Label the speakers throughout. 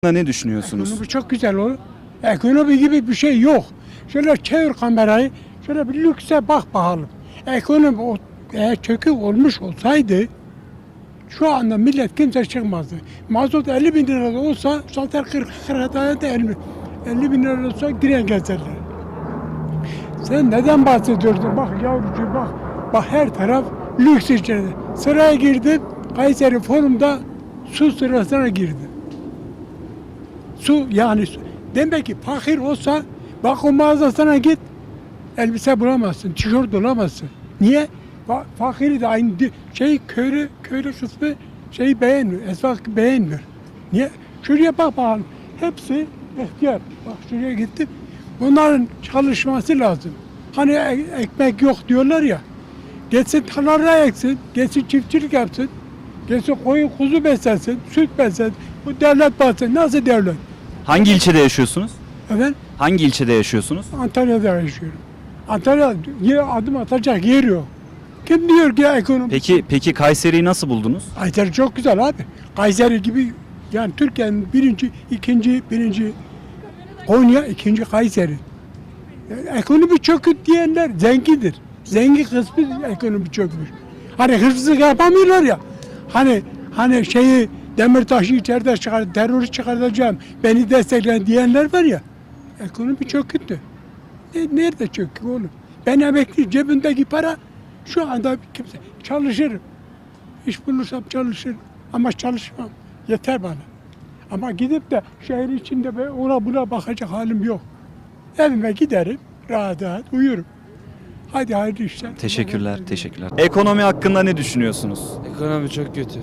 Speaker 1: Ne düşünüyorsunuz?
Speaker 2: Ekonomi çok güzel olur. Ekonomi gibi bir şey yok. Şöyle çevir kamerayı, şöyle bir lükse bak bakalım. Ekonomi eğer çökük olmuş olsaydı şu anda millet kimse çıkmazdı. Mazot 50 bin lira olsa zaten 40 liraya da 50 bin lira olsa diren gezerler. Sen neden bahsediyorsun? Bak yavrucuğum bak. Bak her taraf lüks içeride. Sıraya girdim. Kayseri Forum'da su sırasına girdim. Su yani demek ki fakir olsa bak o mağazasına git elbise bulamazsın, tişört bulamazsın. Niye? Fakiri de aynı köylü kısmı beğenmiyor, esnaf beğenmiyor. Niye? Şuraya bak bakalım. Hepsi ihtiyar. Bak şuraya gittim. Bunların çalışması lazım. Hani ekmek yok diyorlar ya. Geçsin tarlada eksin, geçsin çiftçilik yapsın. Geçsin koyun kuzu beslensin, süt beslensin. Bu devlet bahsediyor. Nasıl devlet?
Speaker 1: Hangi ilçede yaşıyorsunuz?
Speaker 2: Efendim?
Speaker 1: Hangi ilçede yaşıyorsunuz?
Speaker 2: Antalya'da yaşıyorum. Antalya adım atacak yer yok. Kim diyor ki ekonomi?
Speaker 1: Peki Kayseri'yi nasıl buldunuz?
Speaker 2: Kayseri çok güzel abi. Kayseri gibi yani Türkiye'nin birinci Konya, ikinci Kayseri. Yani ekonomi çökük diyenler zengindir. Zengin kısmı ekonomi çökmüş. Hani hırsızlık yapamıyorlar ya. Hani Demirtaş'ı içeride terörist çıkartacağım, beni destekleyen diyenler var ya. Ekonomi çöküktü. Nerede çökük oğlum? Ben emekli, cebimdeki para şu anda kimse çalışırım. İş bulursam çalışırım ama çalışmam. Yeter bana. Ama gidip de şehir içinde ona buna bakacak halim yok. Evime giderim, rahat rahat uyurum. Hadi hayırlı işler.
Speaker 1: Teşekkürler. Ekonomi hakkında ne düşünüyorsunuz?
Speaker 3: Ekonomi çok kötü.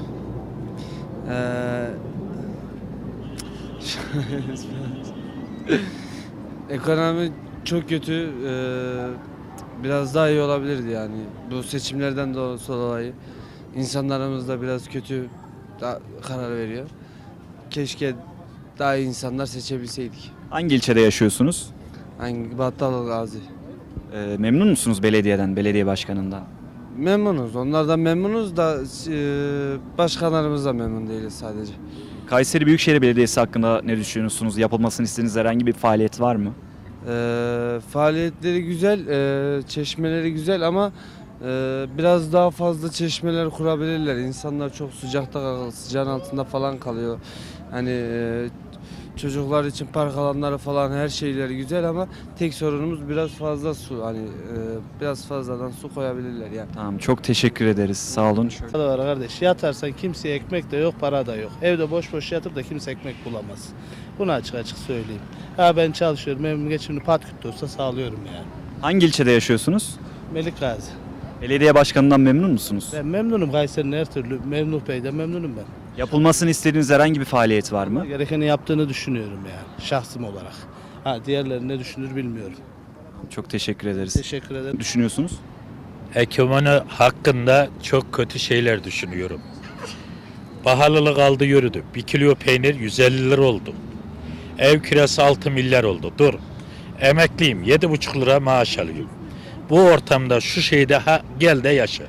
Speaker 3: Ekonomi çok kötü. Biraz daha iyi olabilirdi yani. Bu seçimlerden dolayı insanlarımız da biraz kötü karar veriyor. Keşke daha iyi insanlar seçebilseydik.
Speaker 1: Hangi ilçede yaşıyorsunuz?
Speaker 3: Hangi Battal Gazi.
Speaker 1: Memnun musunuz belediyeden, belediye başkanından?
Speaker 3: Memnunuz. Onlardan memnunuz da başkanlarımızdan memnun değiliz sadece.
Speaker 1: Kayseri Büyükşehir Belediyesi hakkında ne düşünüyorsunuz? Yapılmasını istediğiniz herhangi bir faaliyet var mı?
Speaker 3: Faaliyetleri güzel, çeşmeleri güzel ama biraz daha fazla çeşmeler kurabilirler. İnsanlar çok sıcağın altında falan kalıyor. Hani çocuklar için park alanları falan her şeyleri güzel ama tek sorunumuz biraz fazla su. Hani biraz fazladan su koyabilirler yani.
Speaker 1: Tamam, çok teşekkür ederiz. Sağ olun.
Speaker 4: Da var kardeş. Yatarsan kimseye ekmek de yok, para da yok. Evde boş boş yatıp da kimse ekmek bulamaz. Bunu açık açık söyleyeyim. Ben çalışıyorum. Evim geçimini patküt de olsa sağlıyorum yani.
Speaker 1: Hangi ilçede yaşıyorsunuz?
Speaker 4: Melik Gazi.
Speaker 1: Belediye başkanından memnun musunuz?
Speaker 4: Ben memnunum. Kayseri'nin her türlü. Memnun Bey'den memnunum ben.
Speaker 1: Yapılmasını istediğiniz herhangi bir faaliyet var mı?
Speaker 4: Gerekeni yaptığını düşünüyorum yani. Şahsım olarak. Diğerleri ne düşünür bilmiyorum.
Speaker 1: Çok teşekkür ederiz.
Speaker 4: Teşekkür ederim.
Speaker 1: Düşünüyorsunuz?
Speaker 5: Ekonomi hakkında çok kötü şeyler düşünüyorum. Pahalılık aldı yürüdü. 1 kilo peynir 150 lira oldu. Ev kirası 6 milyar oldu. Dur. Emekliyim. 7,5 lira maaş alıyorum. Bu ortamda şu şeyde gel de yaşa.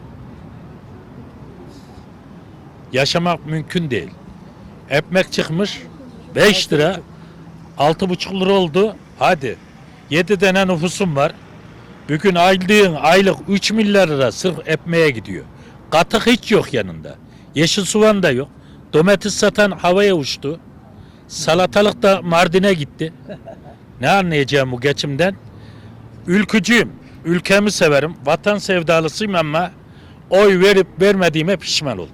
Speaker 5: Yaşamak mümkün değil. Ekmek çıkmış 5 lira 6,5 lira oldu. Hadi. 7 tane nüfusum var. Bugün aldığın aylık 3 milyar lira sırf ekmeğe gidiyor. Katık hiç yok yanında. Yeşil soğan da yok. Domates satan havaya uçtu. Salatalık da Mardin'e gitti. Ne anlayacağım bu geçimden? Ülkücüyüm. Ülkemi severim. Vatan sevdalısıyım ama oy verip vermediğime pişman oldum.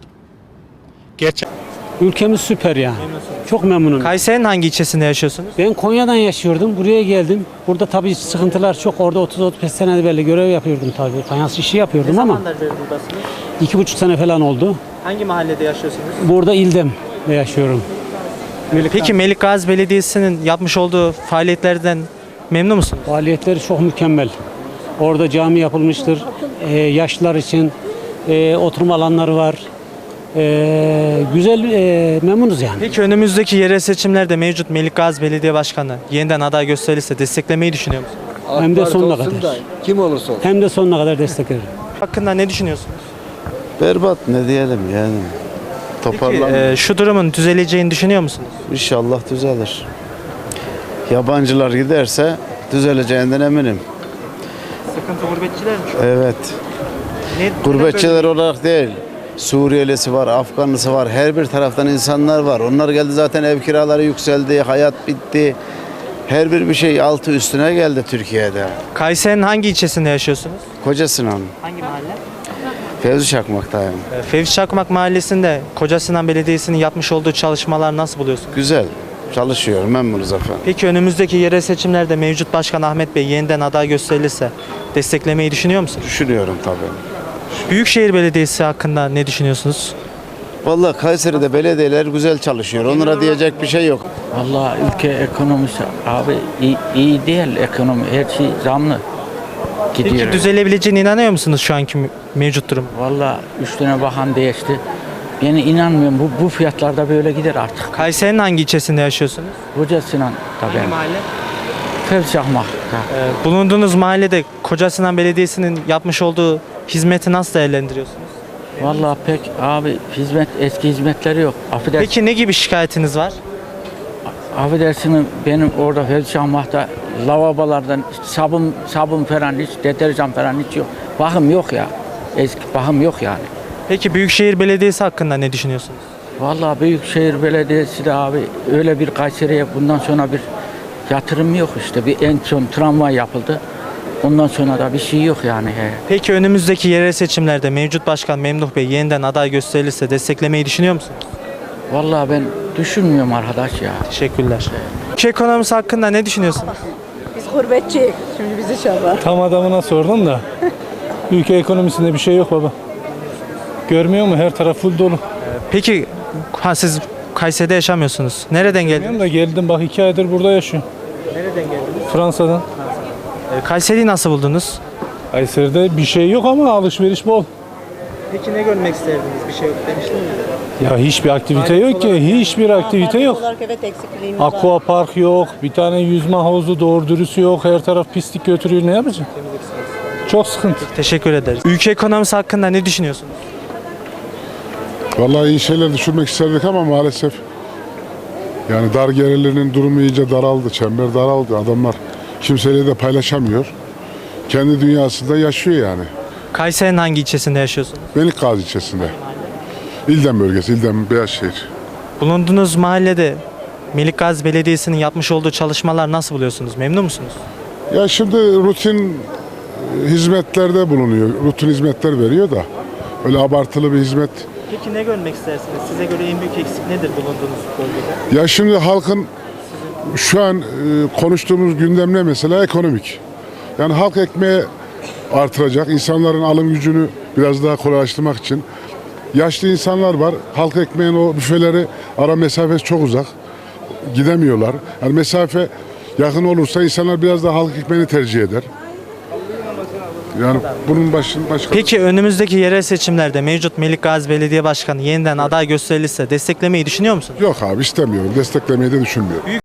Speaker 6: Ülkemiz süper ya. Çok memnunum.
Speaker 7: Kayseri'nin hangi ilçesinde yaşıyorsunuz?
Speaker 6: Ben Konya'dan yaşıyordum. Buraya geldim. Burada tabii sıkıntılar çok. Orada 30-35 senedir böyle görev yapıyordum tabii. Fayans işi yapıyordum ama
Speaker 7: beri buradasınız?
Speaker 6: 2,5 sene falan oldu.
Speaker 7: Hangi mahallede yaşıyorsunuz?
Speaker 6: Burada İldem'de yaşıyorum.
Speaker 7: Peki Melik Gazi Belediyesi'nin yapmış olduğu faaliyetlerden memnun musunuz?
Speaker 6: Faaliyetleri çok mükemmel. Orada cami yapılmıştır. Yaşlılar için oturma alanları var. Güzel, memnunuz yani.
Speaker 7: Peki önümüzdeki yerel seçimlerde mevcut Melik Gazi Belediye Başkanı yeniden aday gösterilirse desteklemeyi düşünüyor musunuz?
Speaker 6: Hem de sonuna kadar.
Speaker 3: Kim olursa olsun.
Speaker 6: Hem de sonuna kadar desteklerim.
Speaker 7: Hakkında ne düşünüyorsunuz?
Speaker 8: Berbat ne diyelim yani. toparlanmıyor.
Speaker 7: Şu durumun düzeleceğini düşünüyor musunuz?
Speaker 8: İnşallah düzelir. Yabancılar giderse düzeleceğinden eminim.
Speaker 7: Sıkıntı gurbetçiler mi?
Speaker 8: Evet. Gurbetçiler olarak değil. Suriyelisi var, Afganlısı var. Her bir taraftan insanlar var. Onlar geldi zaten ev kiraları yükseldi, hayat bitti. Her bir şey altı üstüne geldi Türkiye'de.
Speaker 7: Kayseri'nin hangi ilçesinde yaşıyorsunuz?
Speaker 8: Kocasinan,
Speaker 7: Hangi mahalle?
Speaker 8: Fevzi Çakmak'tayım.
Speaker 7: Fevzi Çakmak Mahallesi'nde Kocasinan Belediyesi'nin yapmış olduğu çalışmalar nasıl buluyorsunuz?
Speaker 8: Güzel. Çalışıyor, memnunuz efendim.
Speaker 7: Peki önümüzdeki yerel seçimlerde mevcut Başkan Ahmet Bey yeniden aday gösterilirse desteklemeyi düşünüyor musunuz?
Speaker 8: Düşünüyorum tabii.
Speaker 7: Büyükşehir Belediyesi hakkında ne düşünüyorsunuz?
Speaker 8: Vallahi Kayseri'de belediyeler güzel çalışıyor. Onlara diyecek bir şey yok.
Speaker 9: Vallahi ülke ekonomisi abi iyi değil ekonomi. Her şey zamlı gidiyor.
Speaker 7: Peki düzelebileceğine inanıyor musunuz şu anki mevcut durum?
Speaker 9: Vallahi 3 tane bakan değişti. Ben inanmıyorum bu fiyatlarda böyle gider artık.
Speaker 7: Kayseri'nin hangi ilçesinde yaşıyorsunuz?
Speaker 9: Kocasinan tabii.
Speaker 7: mahalle?
Speaker 9: Fevzi Çakmak.
Speaker 7: Bulunduğunuz mahallede Kocasinan Belediyesi'nin yapmış olduğu hizmeti nasıl değerlendiriyorsunuz?
Speaker 9: Vallahi pek abi eski hizmetleri yok.
Speaker 7: Peki ne gibi şikayetiniz var?
Speaker 9: Affedersiniz benim orada Fevzi Çakmak'ta lavabolardan sabun falan hiç deterjan falan hiç yok. Bakım yok ya. Eski bakım yok yani.
Speaker 7: Peki Büyükşehir Belediyesi hakkında ne düşünüyorsunuz?
Speaker 9: Vallahi Büyükşehir Belediyesi de abi öyle bir Kayseri'ye bundan sonra bir yatırım yok işte. Bir en son tramvay yapıldı. Ondan sonra da bir şey yok yani.
Speaker 7: Peki önümüzdeki yerel seçimlerde mevcut başkan Memduh Bey yeniden aday gösterilirse desteklemeyi düşünüyor musunuz?
Speaker 9: Vallahi ben düşünmüyorum arkadaş ya.
Speaker 7: Teşekkürler. Ülke ekonomisi hakkında ne düşünüyorsunuz?
Speaker 10: Biz gurbetçiyiz. Şimdi bizi çaba.
Speaker 11: Tam adamına sordun da ülke ekonomisinde bir şey yok baba. Görmüyor musun? Her taraf full dolu.
Speaker 7: Peki siz Kayseri'de yaşamıyorsunuz. Nereden geldiniz?
Speaker 11: Bilmiyorum da geldim bak 2 aydır burada yaşıyorum.
Speaker 7: Nereden geldiniz?
Speaker 11: Fransa'dan.
Speaker 7: Kayseri'yi nasıl buldunuz?
Speaker 11: Kayseri'de bir şey yok ama alışveriş bol.
Speaker 7: Peki ne görmek isterdiniz? Bir şey yok demiştiniz.
Speaker 11: Ya hiçbir aktivite yok ki. Hiçbir aktivite yok.
Speaker 10: Olarak evet eksikliğimiz var.
Speaker 11: Aqua park yok. Bir tane yüzme havuzu doğru dürüst yok. Her taraf pislik götürüyor. Ne yapacaksın? Çok sıkıntı.
Speaker 7: Teşekkür ederiz. Ülke ekonomisi hakkında ne düşünüyorsunuz?
Speaker 12: Vallahi iyi şeyler düşünmek isterdik ama maalesef yani dar gelirlerinin durumu iyice daraldı, çember daraldı. Adamlar kimseyle de paylaşamıyor. Kendi dünyasında yaşıyor yani.
Speaker 7: Kayseri'nin hangi ilçesinde yaşıyorsunuz?
Speaker 12: Melikgazi ilçesinde. İldem bölgesi, İldem Beyazşehir.
Speaker 7: Bulunduğunuz mahallede Melikgazi Belediyesi'nin yapmış olduğu çalışmalar nasıl buluyorsunuz? Memnun musunuz?
Speaker 12: Ya şimdi rutin hizmetlerde bulunuyor. Rutin hizmetler veriyor da öyle abartılı bir hizmet.
Speaker 7: Peki ne görmek istersiniz? Size göre en büyük eksik nedir bulunduğunuz bölgede?
Speaker 12: Ya şimdi halkın şu an konuştuğumuz gündem ne mesela? Ekonomik. Yani halk ekmeği artıracak, insanların alım gücünü biraz daha kolaylaştırmak için. Yaşlı insanlar var, halk ekmeğin o büfeleri ara mesafesi çok uzak. Gidemiyorlar. Yani mesafe yakın olursa insanlar biraz daha halk ekmeğini tercih eder. Yani bunun başka...
Speaker 7: Peki önümüzdeki yerel seçimlerde mevcut Melikgazi Belediye Başkanı yeniden aday gösterilirse desteklemeyi düşünüyor musunuz?
Speaker 12: Yok abi istemiyorum. Desteklemeyi de düşünmüyorum.